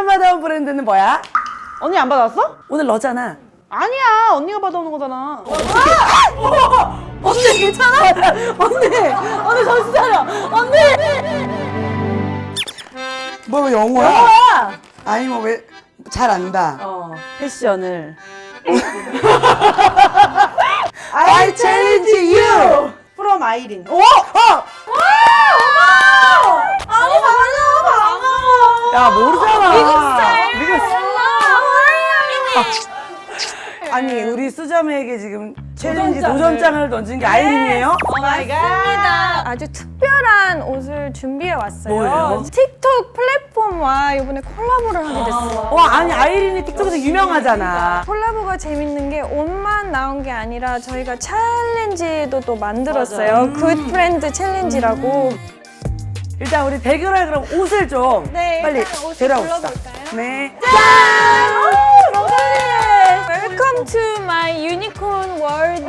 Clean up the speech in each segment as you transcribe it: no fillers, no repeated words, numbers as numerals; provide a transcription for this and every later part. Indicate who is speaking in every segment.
Speaker 1: 받아온 브랜드는 뭐야?
Speaker 2: 언니 안 받았어?
Speaker 1: 오늘 너잖아.
Speaker 2: 아니야, 언니가 받아오는 거잖아.
Speaker 1: 언니 괜찮아? 언니 정신 차려. 언니. 뭐 영어야?
Speaker 2: 뭐야?
Speaker 1: 아니 뭐 왜 잘 안다.
Speaker 2: 패션을.
Speaker 1: I challenge you.
Speaker 2: from 아이린. 오!
Speaker 1: 아니 반가워. 야 모르잖아. 미국 스타일. 아니 우리 수자매에게 지금 챌린지 도전장을 던진 게 아이린이에요?
Speaker 2: 오 마이 갓.
Speaker 3: 맞습니다. 아주 특별한 옷을 준비해 왔어요.
Speaker 1: 뭐예요?
Speaker 3: 틱톡 플랫폼과 이번에 콜라보를 하게 됐어요.
Speaker 1: 와 아니 아이린이 틱톡에서 유명하잖아.
Speaker 3: 콜라보가 재밌는 게 옷만 나온 게 아니라 저희가 챌린지도 또 만들었어요. 굿 프렌드 챌린지라고.
Speaker 1: 일단 우리 대결할 그럼 옷을 좀
Speaker 3: 네,
Speaker 1: 빨리
Speaker 3: 일단 옷을
Speaker 1: 데려옵시다.
Speaker 3: 골라볼까요?
Speaker 1: 네.
Speaker 3: Welcome to my unicorn world.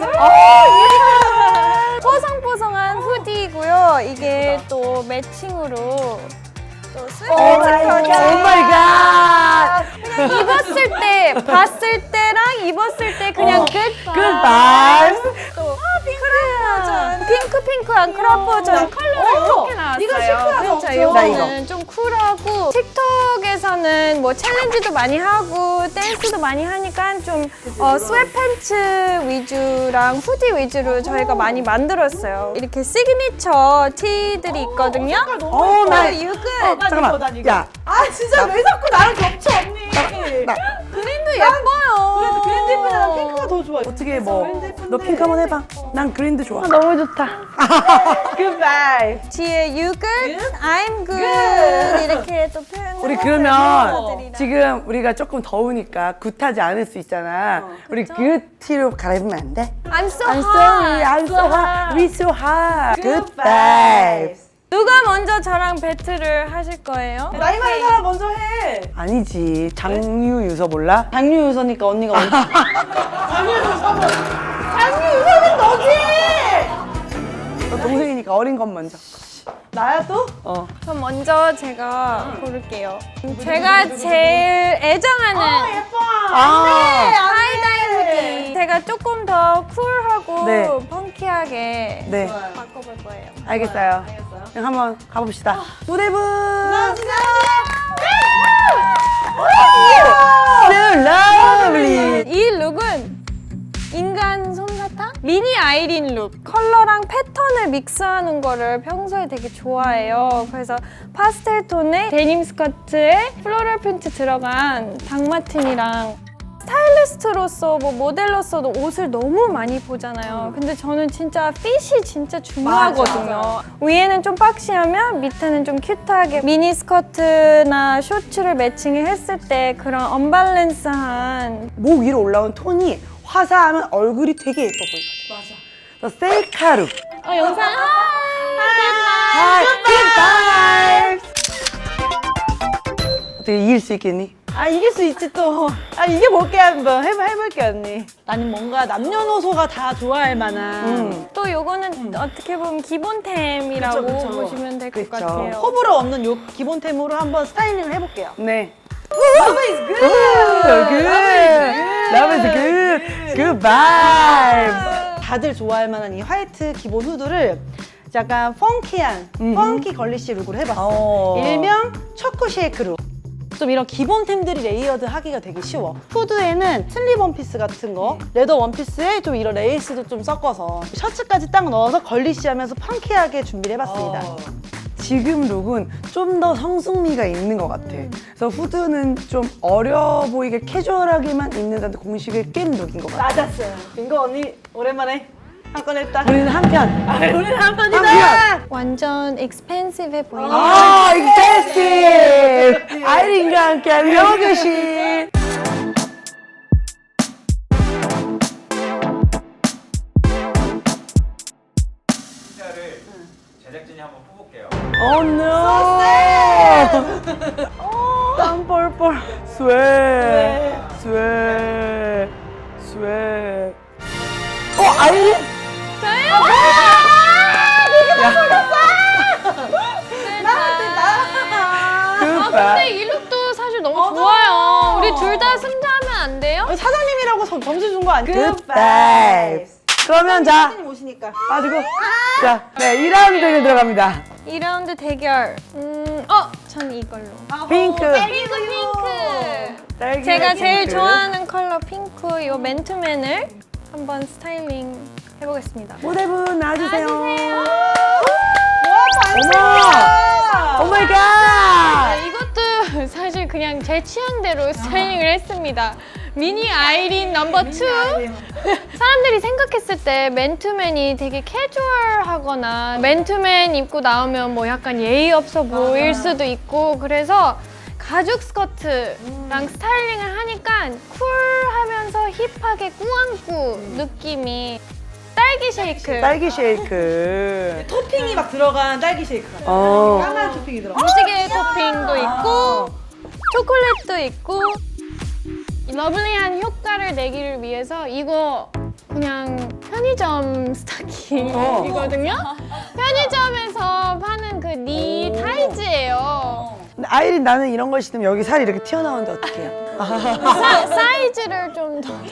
Speaker 3: 뽀송뽀송한 후디고요. 이게 또 매칭으로 또
Speaker 1: 오 마이 갓.
Speaker 3: 입었을 때 봤을 때랑 입었을 때 그냥 끝.
Speaker 1: 굿바이.
Speaker 3: 또 크롭 버전, 핑크한 크롭 버전 컬러가 이렇게 나왔어요.
Speaker 2: 이거 시크하다,
Speaker 3: 그렇죠.
Speaker 2: 엄청.
Speaker 3: 이거는 좀 쿨하고 틱톡에서는 뭐 챌린지도 많이 하고 댄스도 많이 하니까 좀 스웨트팬츠 위주랑 후디 위주로 저희가 많이 만들었어요. 이렇게 시그니처 티들이 있거든요.
Speaker 1: 오 나.
Speaker 3: 유근
Speaker 1: 잠깐만. 야.
Speaker 2: 아 진짜 왜 자꾸 나랑 겹쳐 언니.
Speaker 1: 나
Speaker 3: 그린도 예뻐요.
Speaker 2: 그랜드 예쁘잖아. 핑크가 더 좋아.
Speaker 1: 어떻게 뭐 너 핑크 한번 해봐. 난 그린도 좋아.
Speaker 3: 너무 좋다.
Speaker 2: 굿바이.
Speaker 3: 뒤에 you good, I'm good 이렇게 또 표현을
Speaker 1: 우리
Speaker 3: 해서
Speaker 1: 그러면
Speaker 3: 멤버들이랑.
Speaker 1: 지금 우리가 조금 더우니까 굿하지 않을 수 있잖아. 우리 굿 티로 갈아입으면 안 돼?
Speaker 3: I'm so
Speaker 1: I'm
Speaker 3: hot.
Speaker 1: sorry, I'm so hot, we so hot. Good vibes.
Speaker 3: 누가 먼저 저랑 배틀을 하실 거예요?
Speaker 2: 나이 많은 사람 먼저 해.
Speaker 1: 아니지, 장유유서 몰라?
Speaker 2: 장유유서니까 언니가 먼저. 장유유서는 너지.
Speaker 1: 너 동생이니까 어린 건 먼저.
Speaker 2: 나야 또?
Speaker 3: 그럼 먼저 제가 고를게요. 제가 제일 애정하는
Speaker 2: 예뻐.
Speaker 3: 하이다이 후디. 제가 조금 더 쿨하고
Speaker 1: 네.
Speaker 3: 펑키하게
Speaker 1: 네,
Speaker 3: 바꿔볼 거예요.
Speaker 1: 알겠어요. 그럼 한번 가봅시다. 무대분. So lovely.
Speaker 3: 이 룩은 인간 솜사탕? 미니 아이린 룩. 컬러랑 패턴을 믹스하는 거를 평소에 되게 좋아해요. 그래서 파스텔 톤의 데님 스커트에 플로럴 프린트 들어간 닭마틴이랑 스타일리스트로서 뭐 모델로서도 옷을 너무 많이 보잖아요. 근데 저는 진짜 핏이 진짜 중요하거든요. 위에는 좀 박시하면 밑에는 좀 큐트하게 미니 스커트나 셔츠를 매칭했을 때 그런 언밸런스한
Speaker 1: 목 위로 올라온 톤이 화사하면 얼굴이 되게 예뻐 보이거든. 맞아. 더 셀카룩.
Speaker 3: 영상
Speaker 1: Hi, good vibes. 어떻게 이길 수 있겠니?
Speaker 2: 아 이길 수 있지 또. 아 이겨볼게 한번 해볼게 언니. 나는 뭔가 남녀노소가 다 좋아할 만한
Speaker 3: 또 요거는 어떻게 보면 기본템이라고
Speaker 2: 그쵸, 그쵸.
Speaker 3: 보시면 될 것
Speaker 1: 그쵸.
Speaker 3: 같아요.
Speaker 2: 호불호 없는 요 기본템으로 한번 스타일링을 해볼게요.
Speaker 1: 네.
Speaker 2: Love is good.
Speaker 1: Good. Love is good. Good vibes.
Speaker 2: 다들 좋아할 만한 이 화이트 기본 후드를 약간 펑키한 펑키 걸리시 룩으로 해봤어. 일명 초코 쉐이크 룩. 좀 이런 기본템들이 레이어드 하기가 되게 쉬워. 후드에는 슬립 원피스 같은 거, 레더 원피스에 좀 이런 레이스도 좀 섞어서 셔츠까지 딱 넣어서 걸리시하면서 펑키하게 준비를 해봤습니다.
Speaker 1: 지금 룩은 좀 더 성숙미가 있는 것 같아. 그래서 후드는 좀 어려 보이게 캐주얼하게만 입는다는 공식을 깬 룩인 것 같아.
Speaker 2: 맞았어요. 이거 언니 오랜만에 한 건 했다.
Speaker 1: 우리는 한편.
Speaker 2: 우리는 한 번이다.
Speaker 1: 한편.
Speaker 3: 완전 익스펜시브해 보이는
Speaker 1: 아, 익스펜시브. 아이린과 함께하는 영어교실.
Speaker 4: 를 제작진이 한번 뽑을게요.
Speaker 1: Oh no.
Speaker 2: 땀 뻘뻘.
Speaker 1: 스웨. 스웨. 스웨. 아이린?
Speaker 3: 근데 이 룩도 사실 너무 좋아요. 우리 둘 다 승자하면 안 돼요?
Speaker 2: 사장님이라고 점수 준 거 아니에요?
Speaker 1: Good vibes. 그러면 자,
Speaker 2: 사장님 오시니까.
Speaker 1: 빠지고. 자, 네, 2라운드 대결 들어갑니다.
Speaker 3: 2라운드 대결. 전 이걸로.
Speaker 1: 핑크.
Speaker 3: 핑크.
Speaker 1: 딸기
Speaker 3: 제가 제일
Speaker 1: 핑크.
Speaker 3: 좋아하는 컬러 핑크 이 맨투맨을 한번 스타일링 해보겠습니다.
Speaker 1: 모델분 나와주세요.
Speaker 2: 와,
Speaker 1: 어머! 오 마이 갓!
Speaker 3: 이것도 사실 그냥 제 취향대로 스타일링을 했습니다. 미니 아이린 넘버 2. 사람들이 생각했을 때 맨투맨이 되게 캐주얼하거나 맨투맨 입고 나오면 뭐 약간 예의 없어 보일 수도 있고 그래서 가죽 스커트랑 스타일링을 하니까 쿨하면서 힙하게 꾸안꾸 느낌이 딸기 쉐이크
Speaker 1: 딸기 쉐이크.
Speaker 2: 토핑이 막 들어간 딸기 쉐이크가.
Speaker 1: 어.
Speaker 2: 까만 토핑이 들어가.
Speaker 3: 무지개 토핑도 있고 초콜릿도 있고 러블리한 효과를 내기를 위해서 이거 그냥 편의점 스타킹이거든요. 편의점에서 파는 그 니 타이즈예요.
Speaker 1: 근데 아이린 나는 이런 걸 신으면 여기 살이 이렇게 튀어나오는데 어떡해요?
Speaker 3: 사이즈를 좀 더.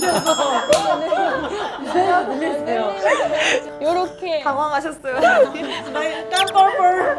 Speaker 3: 요렇게.
Speaker 2: 당황하셨어요. 땀벌벌.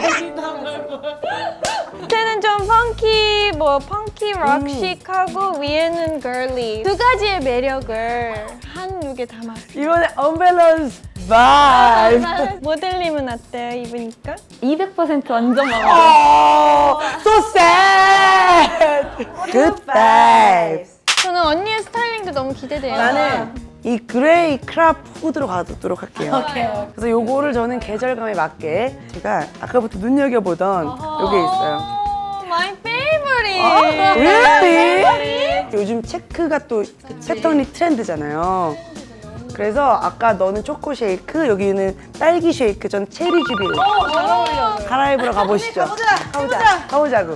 Speaker 3: 밑에는 좀 펑키 럭식하고 위에는 걸리. 두 가지의 매력을 한 룩에 담았어요.
Speaker 1: 이번에 언밸런스 바이브.
Speaker 3: 모델님은 어때요, 입으니까?
Speaker 5: 200% 완전 마음에 들어요.
Speaker 1: So sad. Good vibes.
Speaker 3: 저는 언니의 스타일링도 너무 기대돼요.
Speaker 1: 나는 이 그레이 크랍 후드로 가도록 할게요. 그래서 요거를 저는 계절감에 맞게 제가 아까부터 눈여겨보던 요게 있어요.
Speaker 3: My favorite.
Speaker 1: Really? 요즘 체크가 또 패턴이 트렌드잖아요. 그래서 아까 너는 초코 쉐이크, 여기는 딸기 쉐이크, 전 체리 주빌.
Speaker 2: 잘 어울려.
Speaker 1: 갈아입으러 가보시죠.
Speaker 2: 가보자.
Speaker 1: 가보자고.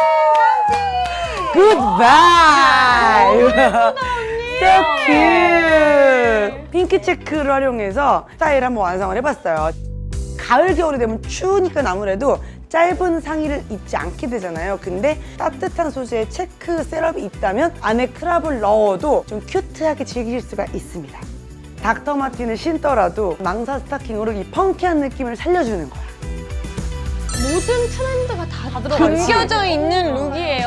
Speaker 1: Good vibe. So cute. 핑크 체크를 활용해서 스타일 한번 완성을 해봤어요. 가을 겨울이 되면 추우니까 아무래도 짧은 상의를 입지 않게 되잖아요. 근데 따뜻한 소재의 체크 셋업이 있다면 안에 크랍을 넣어도 좀 큐트하게 즐길 수가 있습니다. 닥터 마틴을 신더라도 망사 스타킹으로 이 펑키한 느낌을 살려주는 거야.
Speaker 3: 모든 트렌드가 다 담겨져 있는 룩이에요.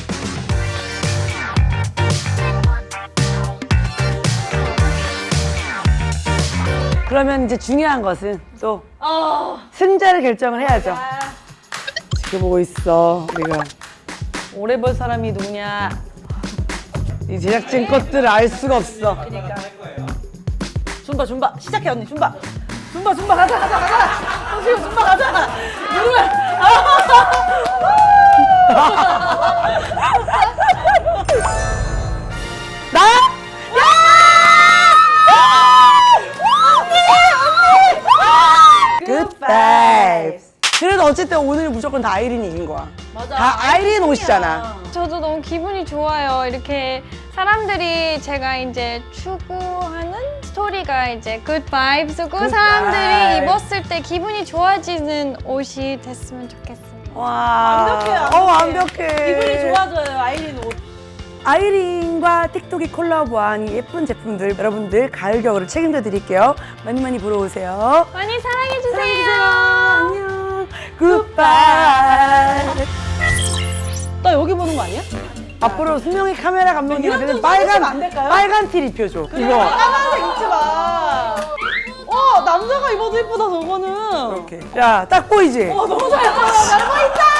Speaker 1: 그러면 이제 중요한 것은 또 승자를 결정을 해야죠. 지켜보고 있어, 우리가.
Speaker 2: 오래 볼 사람이 누구냐?
Speaker 1: 이 제작진 것들을 알 수가 없어.
Speaker 2: 줌바 시작해 언니 줌바 가자 선수형 줌바 가자 누구야
Speaker 1: 나? Good vibes. 그래도 어쨌든 오늘 무조건 다 아이린이 이긴 거야.
Speaker 2: 맞아.
Speaker 1: 다 아이린 옷이잖아.
Speaker 3: 저도 너무 기분이 좋아요. 이렇게 사람들이 제가 이제 추구하는 스토리가 이제 good vibes고
Speaker 1: Good
Speaker 3: 사람들이
Speaker 1: vibes.
Speaker 3: 입었을 때 기분이 좋아지는 옷이 됐으면 좋겠습니다.
Speaker 1: 와.
Speaker 2: 완벽해.
Speaker 1: 완벽해.
Speaker 2: 기분이 좋아져요 아이린 옷.
Speaker 1: 아이린과 틱톡이 콜라보한 이 예쁜 제품들 여러분들 가을 겨울을 책임져 드릴게요. 많이 많이 보러 오세요.
Speaker 3: 많이 사랑해주세요.
Speaker 1: 안녕. 굿바이.
Speaker 2: 나 여기 보는 거 아니야?
Speaker 1: 앞으로 수명이 카메라 감독님한테는
Speaker 2: 이런 좀 써주시면 안 될까요?
Speaker 1: 빨간 티 입혀줘. 이거.
Speaker 2: 까만색 입지 마. 남자가 입어도 예쁘다 저거는.
Speaker 1: 이렇게. 야, 딱 보이지?
Speaker 2: 너무 잘 보여. 잘 보인다.